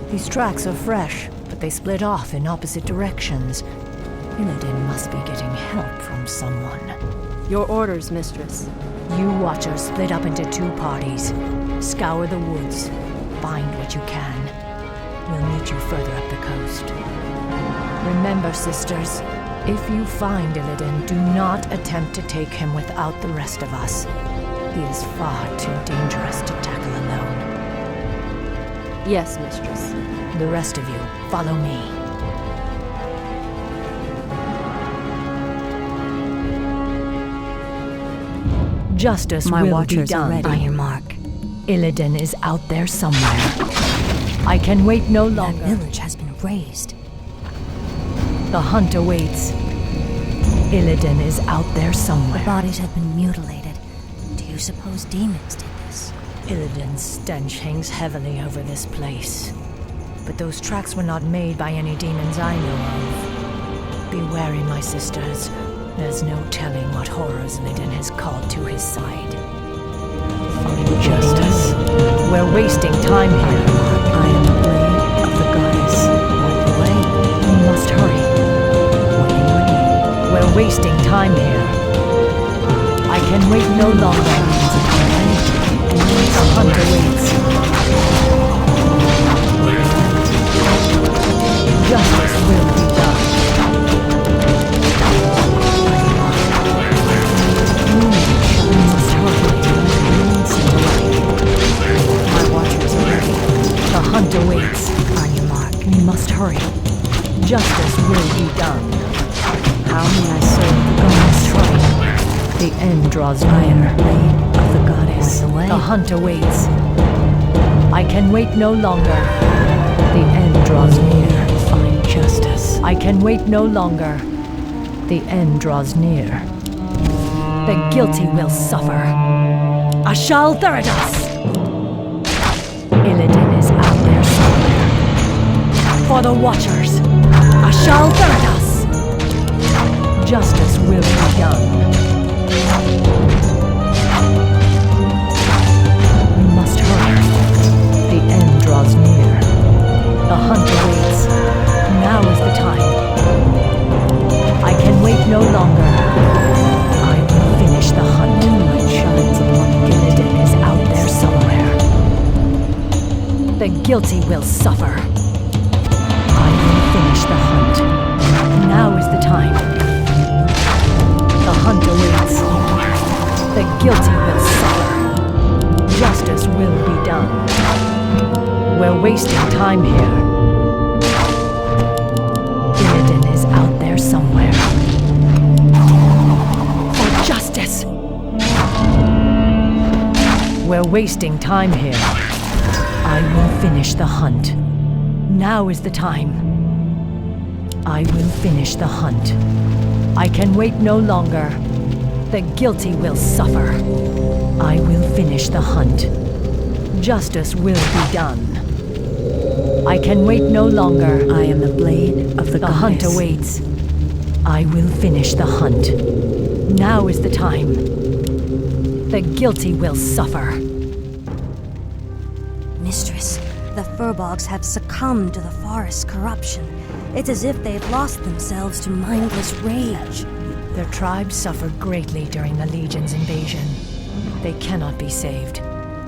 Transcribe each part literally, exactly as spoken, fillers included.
These tracks are fresh, but they split off in opposite directions. Illidan must be getting help from someone. Your orders, Mistress. You Watchers split up into two parties. Scour the woods. Find what you can. We'll meet you further up the coast. Remember, sisters, if you find Illidan, do not attempt to take him without the rest of us. He is far too dangerous to tackle alone. Yes, Mistress. The rest of you, follow me. Justice My will watchers be done. are ready. On your mark. Illidan is out there somewhere. I can wait no longer. That village has been razed. The hunt awaits. Illidan is out there somewhere. The bodies have been mutilated. Do you suppose demons did this? Illidan's stench hangs heavily over this place. But those tracks were not made by any demons I know of. Be wary, my sisters. There's no telling what horrors Illidan has called to his side. Find justice. We're wasting time here. I am the blade of the goddess. Point the way. We must hurry. What in your name? We're wasting time here. I can wait no longer. The hunt awaits. Justice will be done. We must hurry. My watchers are ready. The hunt awaits. On your mark. We must hurry. Justice will be done. How may I serve the We goddess? must hurry. The end draws I am near. the blade of the goddess. The way. The hunt awaits. I can wait no longer. The end draws near. Find justice. I can wait no longer. The end draws near. The guilty will suffer. Ashal Theridas! Illidan is out there somewhere. For the Watchers! Ashal Theridas! Justice will be done. We must hurry. The end draws near. The hunt awaits. Now is the time. I can wait no longer. I will finish the hunt. Moonlight shines upon Illidan is out there somewhere. The guilty will suffer. I will finish the hunt. Now is the time. The hunt awaits. The guilty will suffer. Justice will be done. We're wasting time here. Illidan is out there somewhere. For justice! We're wasting time here. I will finish the hunt. Now is the time. I will finish the hunt. I can wait no longer. The guilty will suffer. I will finish the hunt. Justice will be done. I can wait no longer. I am the blade of the, The goddess. hunt awaits. I will finish the hunt. Now is the time. The guilty will suffer. Mistress, the Furbolgs have succumbed to the forest's corruption. It's as if they've lost themselves to mindless rage. Their tribe suffered greatly during the Legion's invasion. They cannot be saved.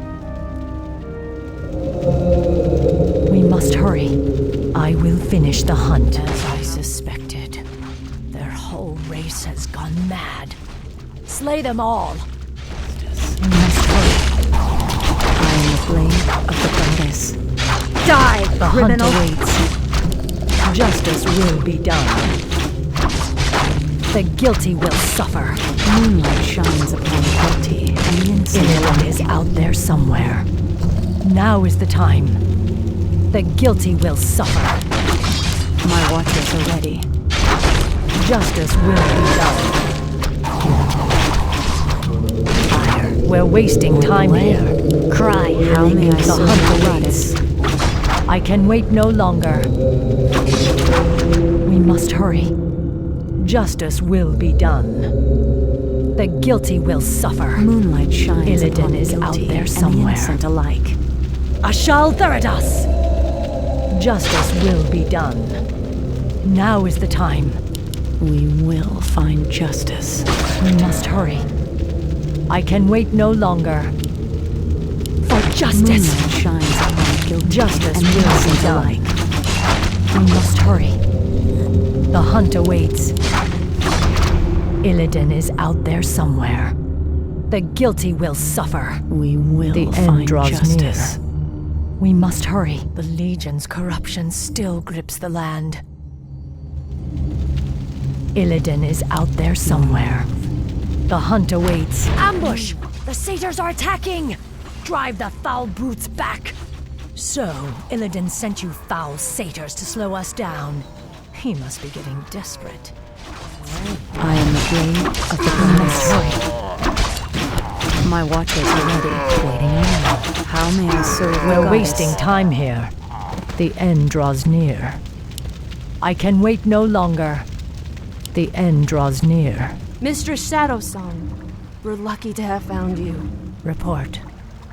We must hurry. I will finish the hunt. As I suspected, their whole race has gone mad. Slay them all. We must hurry. I am the blade of the goddess. Die, the criminal. hunt awaits. Justice will be done. The guilty will suffer. Moonlight shines upon the guilty and the innocent. Illidan is out there somewhere. Now is the time. The guilty will suffer. My watchers are ready. Justice will be done. Fire. We're wasting time here. Cry, how may I The serve hunt the awaits. goddess? I can wait no longer. We must hurry. Justice will be done. The guilty will suffer. Moonlight shines Illidan upon the is out guilty there and the somewhere. innocent alike. Ashal Theridas! Justice will be done. Now is the time. We will find justice. We must hurry. I can wait no longer. For justice! Moonlight shines upon guilty Justice and will be innocent done. alike. We must hurry. The hunt awaits. Illidan is out there somewhere. The guilty will suffer. We will The end find draws justice. near. We must hurry. The Legion's corruption still grips the land. Illidan is out there somewhere. The hunt awaits. Ambush! The satyrs are attacking! Drive the foul brutes back! So, Illidan sent you foul satyrs to slow us down. He must be getting desperate. I am the blade of the We must goddess. hurry. My watchers are ready, waiting around. How may I serve the We're goddess? wasting time here. The end draws near. I can wait no longer. The end draws near. Mistress Shadowsong, we're lucky to have found you. Report.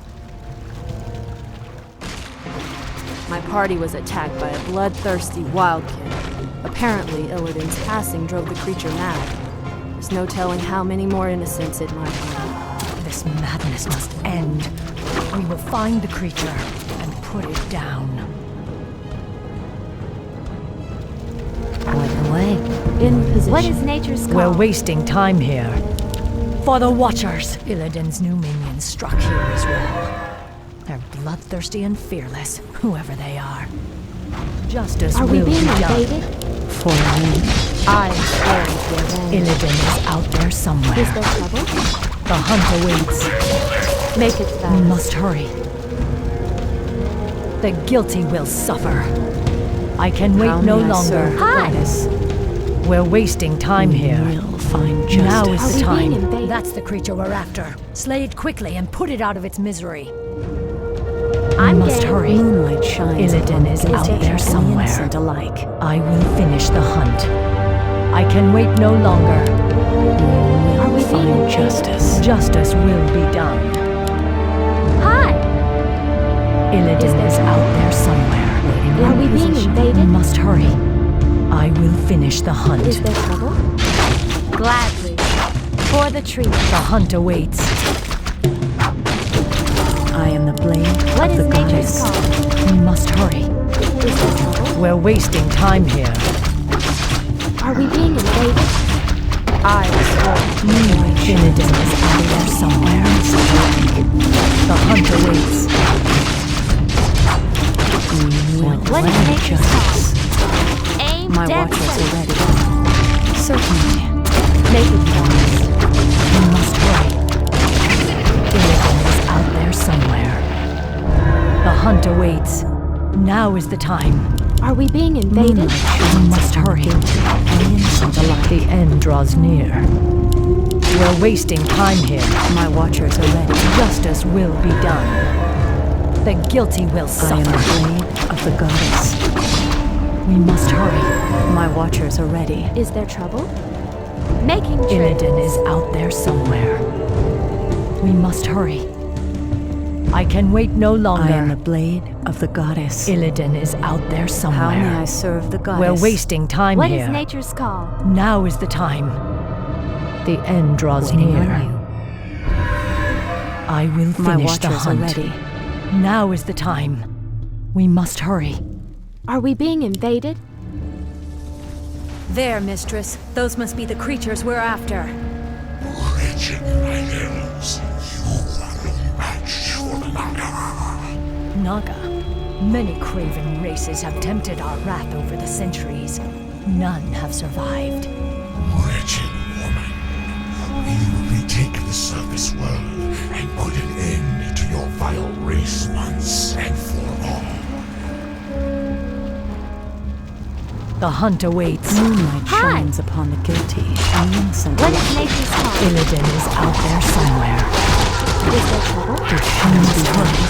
My party was attacked by a bloodthirsty wildkin. Apparently, Illidan's passing drove the creature mad. There's no telling how many more innocents it might harm. This madness must end. We will find the creature and put it down. Point the way. In position. What is nature's call? We're wasting time here. For the Watchers! Illidan's new minions struck here as well. They're bloodthirsty and fearless, whoever they are. Justice Are we will being be done. invaded? For me. I am scared of your revenge. Illidan is out there somewhere. Is there trouble? The hunt awaits. Make it We fast. must hurry. The guilty will suffer. I can wait How no may I longer. serve the goddess? We're wasting time We here. will find Now justice. is the Are we being time. invaded? That's the creature we're after. Slay it quickly and put it out of its misery. I'm we must game. hurry. Moonlight shines Illidan upon is guilty out there and somewhere. innocent alike. I will finish the hunt. I can wait no longer. We Are will we being find invaded? justice. Justice will be done. Hi! Illidan Is there is out trouble? there somewhere. Waiting Are in we being position. invaded? We must hurry. I will finish the hunt. Is there trouble? Gladly. For the tree. The hunt awaits. I am the blade What of is the nature's goddess. call? We must hurry. Is there trouble? We're wasting time here. Are we being invaded? I am sworn. Illidan is out there somewhere. The hunt awaits. We will What is find nature's justice. Aim My dead watchers center. are ready. Certainly. Make it fast. We must hurry. Illidan is out there somewhere. The hunt awaits. Now is the time. Are we being invaded? Moonlight We shines must upon hurry. guilty and innocent alike. The end draws near. We're wasting time here. My watchers are ready. Justice will be done. The guilty will I am suffer. the blade of the goddess. We must hurry. My watchers are ready. Is there trouble? Making tricks. Illidan is out there somewhere. We must hurry. I can wait no longer. I am the blade of the goddess. Illidan is out there How may I somewhere. serve the goddess? We're wasting time What here. is nature's call? Now is the time. The end draws Waiting near. on you. I will My finish the watchers are hunt. ready. Now is the time. We must hurry. Are we being invaded? There, mistress. Those must be the creatures we're after. Wretched riders, you are no match for Naga. Naga. Many craven races have tempted our wrath over the centuries. None have survived. Wretched woman, we will retake the surface world and put an end to your vile race once and for all. The hunt awaits. Moonlight Hi. shines upon the guilty and innocent What alike. is nature's call? Illidan is out there somewhere. Is there trouble? We must hurry.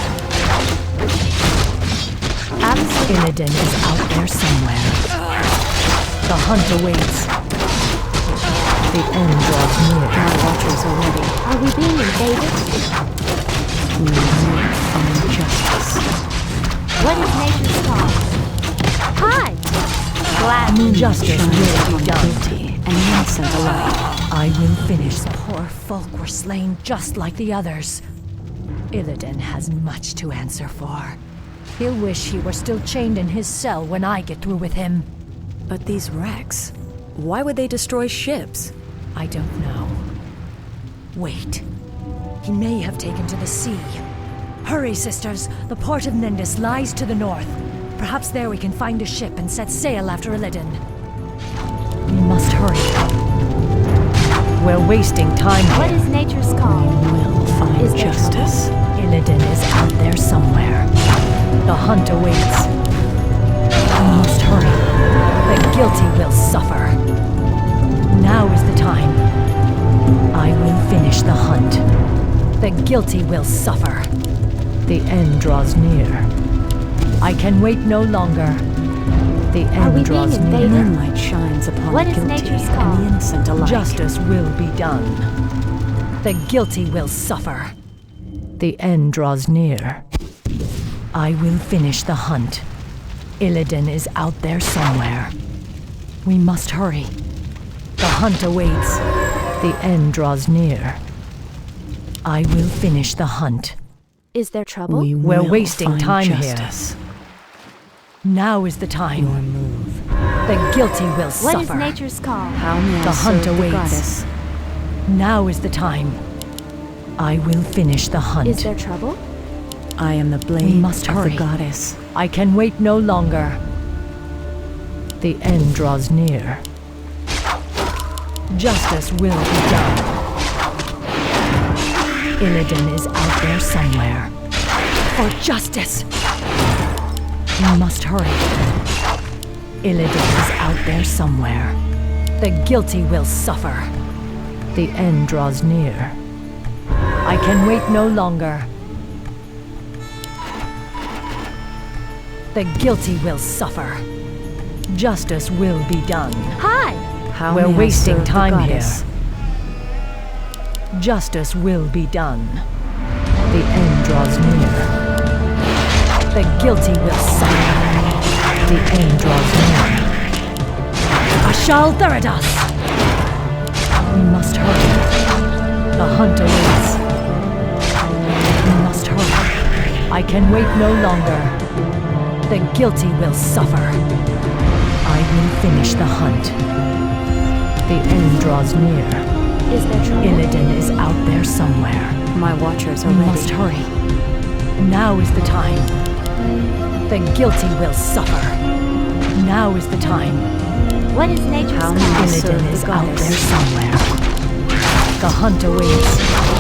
Absolutely. Illidan is out there somewhere. The hunt awaits. The end draws near. My watchers are ready. Are we being invaded? We will find justice. What is nature's call? Hi! Glad justice will be done. Guilty and innocent alike. I will finish. Poor folk were slain just like the others. Illidan has much to answer for. He'll wish he were still chained in his cell when I get through with him. But these wrecks, why would they destroy ships? I don't know. Wait. He may have taken to the sea. Hurry, sisters. The port of Nendis lies to the north. Perhaps there we can find a ship and set sail after Illidan. We must hurry. We're wasting time here. What is nature's call? Will find Is there justice. Illidan is out there somewhere. The hunt awaits. We must hurry. The guilty will suffer. Now is the time. I will finish the hunt. The guilty will suffer. The end draws near. I can wait no longer. The Are we end draws being near. invaded? Moonlight shines upon What the is guilty nature's and call? the innocent alike. Justice will be done. The guilty will suffer. The end draws near. I will finish the hunt. Illidan is out there somewhere. We must hurry. The hunt awaits. The end draws near. I will finish the hunt. Is there trouble? We We're will wasting find time here. justice. Now is the time. Your move. The guilty will What is suffer. nature's call? How may The I hunt serve awaits. the goddess? Now is the time. I will finish the hunt. Is there trouble? I am the blade must of hurry. the goddess. I can wait no longer. The end draws near. Justice will be done. Illidan is out there somewhere. For justice! We must hurry. Illidan is out there somewhere. The guilty will suffer. The end draws near. I can wait no longer. The guilty will suffer. Justice will be done. Hi! How We're may I wasting serve the time goddess? here. Justice will be done. The end draws near. The guilty will suffer. The end draws near. Ashal Theridas! We must hurry. The hunt awaits. We must hurry. I can wait no longer. The guilty will suffer. I will finish the hunt. The end draws near. Is there trouble? Illidan is out there somewhere. My watchers are We ready. must hurry. Now is the time. The guilty will suffer. Now is the time. What is nature's How call? may I serve Illidan the is out goddess? there somewhere. The hunt awaits.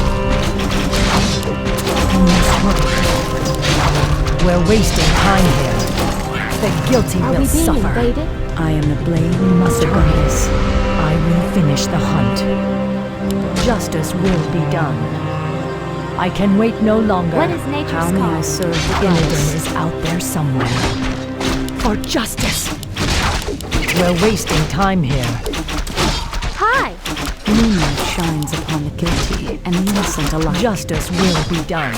We must hurry. We're wasting time here. The guilty Are will we being suffer. invaded? I am the blade We must of the hurry. goddess. I will finish the hunt. Justice will be done. I can wait no longer. What is nature's How may call? I serve the Illidan goddess? is out there somewhere. For justice! We're wasting time here. Hi! Moonlight shines upon the guilty and the innocent alike. Justice will be done.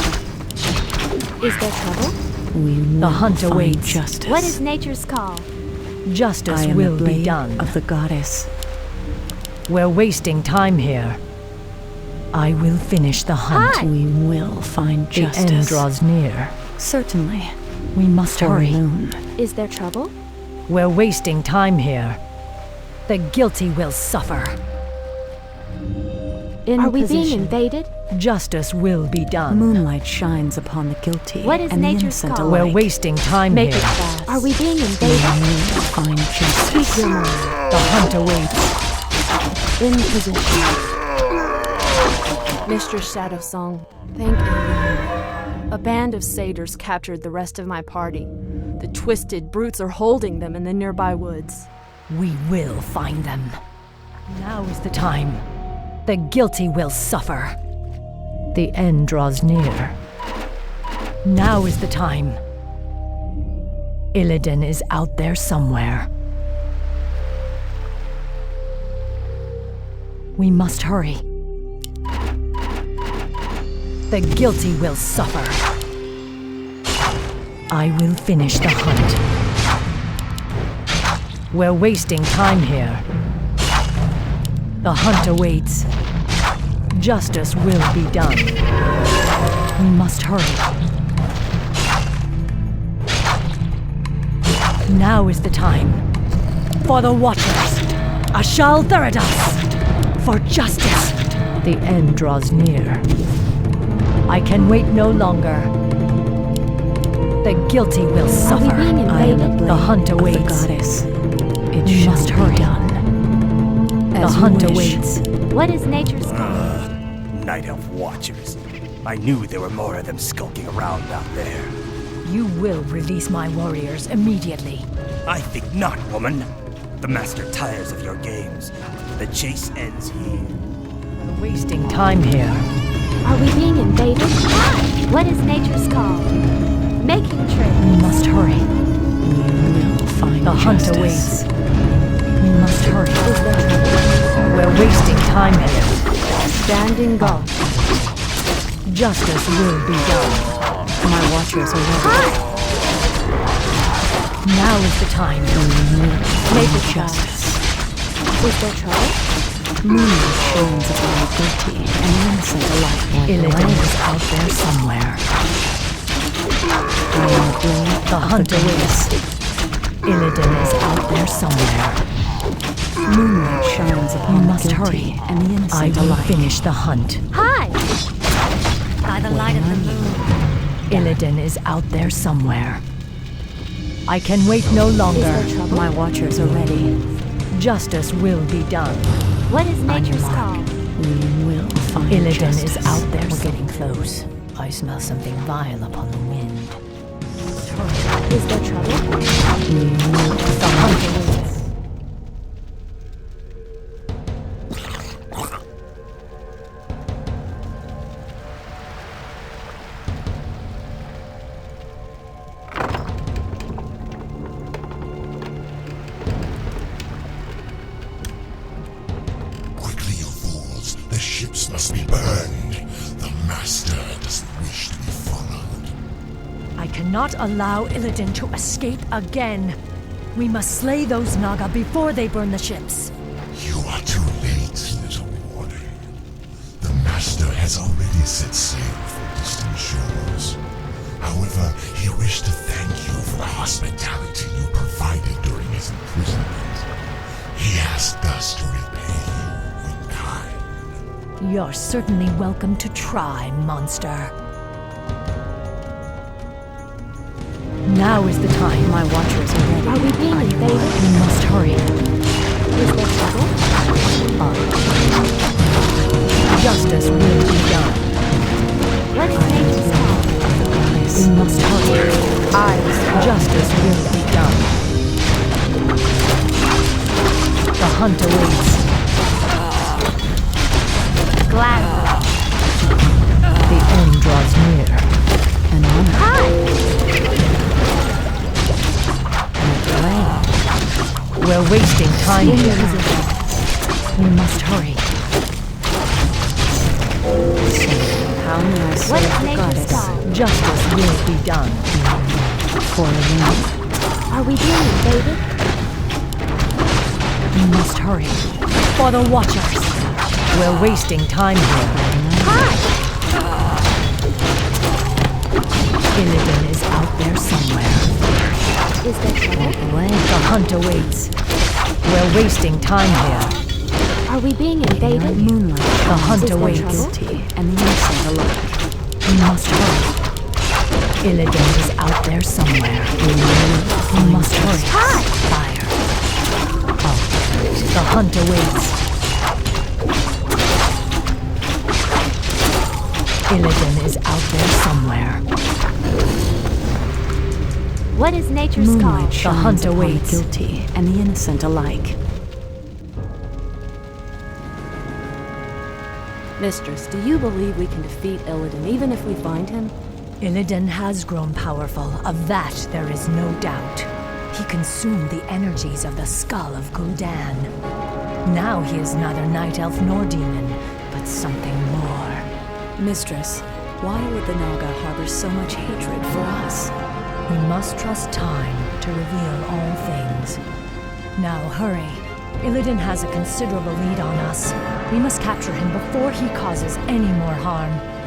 Is there trouble? We will The hunt find awaits. justice. What is nature's call? Justice I am will the be blade done. of the goddess. We're wasting time here. I will finish the hunt. Hi. We will find The justice. end draws near. Certainly. We must For hurry. Loon. Is there trouble? We're wasting time here. The guilty will suffer. In Are we position. being invaded? Justice will be done. Moonlight shines upon the guilty What is and the nature's innocent call? We're alike. wasting time Make here. it fast. Are we being We invaded? will find justice. Speak your mind. The hunt awaits. In position. Mistress Shadowsong, thank you. A band of satyrs captured the rest of my party. The twisted brutes are holding them in the nearby woods. We will find them. Now is the time. The guilty will suffer. The end draws near. Now is the time. Illidan is out there somewhere. We must hurry. The guilty will suffer. I will finish the hunt. We're wasting time here. The hunt awaits. Justice will be done. We must hurry. Now is the time. For the Watchers. Ashal Theridas. For justice. The end draws near. I can wait no longer. The guilty will suffer. being I am invaded? the hunt Of the awaits. goddess. It We shall must be hurry. done. The As you hunt wish. awaits. What is nature's call? Night Elf Watchers. I knew there were more of them skulking around out there. You will release my warriors immediately. I think not, woman. The Master tires of your games. The chase ends here. We're wasting time here. Are we being invaded? What is nature's call? Making We trade. must hurry. You will find The hunt justice. awaits. We must hurry. Is there trouble? We're wasting time here. Standing guard. Justice will be done. My watchers are ready. Now is the time. Make a justice. Is there trouble? Moonlight shines upon the guilty and the innocent alike. Illidan is out there somewhere. I am the blade The of hunt the awaits. Illidan is out there somewhere. Moonlight shines upon You the must guilty hurry. and the I innocent will alike. finish the hunt. Hi! By the light of the moon. Illidan is out there somewhere. I can wait no longer. My watchers are ready. Justice will be done. What is nature's call? We will find Illidan justice. is out there. We're getting close. I smell something vile upon the wind. Is there trouble? The hunt awaits. Quickly, you fools. The ships must be burned. The Master doesn't wish to be followed. I cannot allow Illidan to escape again. We must slay those Naga before they burn the ships. You are too late, little warning. The Master has already set sail for distant shores. However, he wished to thank you for the hospitality you provided during his imprisonment. He asked us to repay you in kind. You're certainly welcome to try, monster. Now is the time. My watchers are ready. Are we being invaded? We must hurry. Is there trouble? Justice will be done. What is nature's call? We must hurry. I was Justice will be done. The hunt awaits. Glad. The end draws near. An honor. Hi! We're wasting time here. We must hurry. How may I What serve is the nature's goddess? call? Justice will be done. For a ring. Are we being invaded? We must hurry. For the Watchers. We're wasting time here. Hi! Illidan is out there somewhere. Is there trouble? The hunt awaits. We're wasting time here. Are we being invaded? Moonlight The hunt Is there awaits. trouble? guilty and the innocent alike. We must hurry. Illidan is out there somewhere. We must hurry. Hi! Fire. Oh. The hunt awaits. Illidan is out there somewhere. What is nature's call? Moonlight shines hunt upon awaits. the guilty and the innocent alike. Mistress, do you believe we can defeat Illidan even if we find him? Illidan has grown powerful. Of that, there is no doubt. He consumed the energies of the skull of Gul'dan. Now he is neither night elf nor demon, but something more. Mistress, why would the Naga harbor so much hatred for us? We must trust time to reveal all things. Now, hurry. Illidan has a considerable lead on us. We must capture him before he causes any more harm.